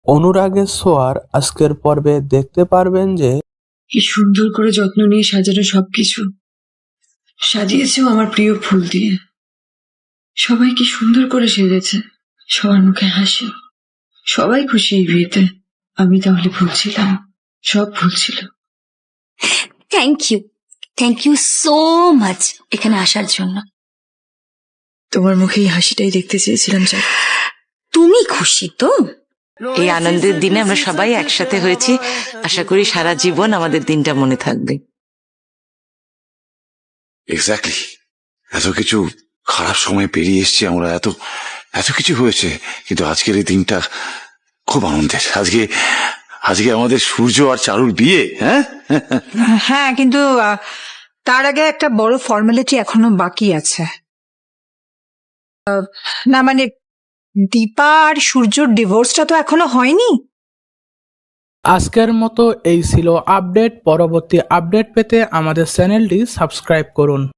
অনুরাগের ছোঁয়ার আজকের পর্বে দেখতে পারবেন যে কি সুন্দর করে যত্ন নিয়ে সাজানো সবকিছু সাজিয়েছেও আমার প্রিয় ফুল দিয়ে। সবাই কি সুন্দর করে সেজেছে, সবার মুখে হাসি, সবাই খুশি এই বিয়েতে। আমি তাহলে ভুলছিলাম, সব ভুলছিল। থ্যাংক ইউ সো মাচ এখানে আসার জন্য। তোমার মুখে এই হাসিটাই দেখতে চেয়েছিলাম। তুমি খুশি তো? এই আনন্দের দিনে আমরা সবাই একসাথে হয়েছি, আশা করি সারা জীবন আমাদের দিনটা মনে থাকবে। এক্স্যাক্টলি, এত কিছু খারাপ সময় পেরিয়ে এসছি আমরা, এত কিছু হয়েছে, কিন্তু আজকের এই দিনটা খুব আনন্দের। আজকে আমাদের সূর্য আর চারুর বিয়ে। হ্যাঁ, কিন্তু তার আগে একটা বড় ফর্মালিটি এখনো বাকি আছে। না মানে দীপা আর সূর্যর ডিভোর্সটা তো এখনো হয়নি। আজকের মতো এই ছিল আপডেট। পরবর্তী আপডেট পেতে আমাদের চ্যানেলটি সাবস্ক্রাইব করুন।